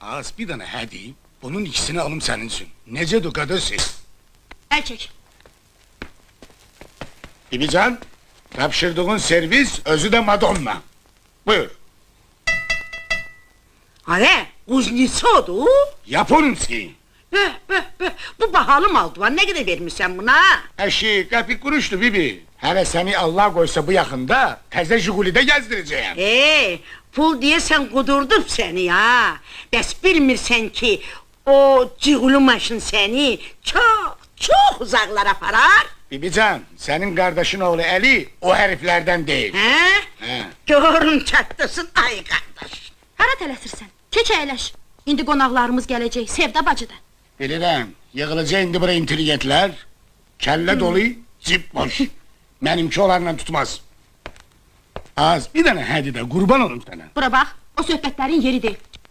Az bir tane hadi. Bunun ikisini alım seninsin. Necedir kadırsız? El çek. Bibican, tapşırdığın servis özü de Madonna. Buyur. Hare, kuznitsodu. Yaponumsi. Bu bahalı mal duvar, ne kadar vermişsen buna? Eşi kapik kuruştu bibi. Hele seni Allah koysa bu yakında teze Jiguli'de gezdireceğim. Pul diye sen kudurdum seni ya. Bes bilmirsen ki o cıgulu maşın seni çok uzaklara aparar. Bibican, senin kardeşin oğlu Eli o heriflerden değil. He? Görün çatlasın ay kardeş. Hara tələsirsən? Keç əyləş. İndi qonaqlarımız gələcək, Sevda bacıda. Bilirəm, yığılacaq indi buraya intelligentler. Kelle dolu, cip boş. Benimki onlarla tutmaz. Az bir tane hadi de kurban olun sana. Bura bax, o söhbətlərin yeri deyil.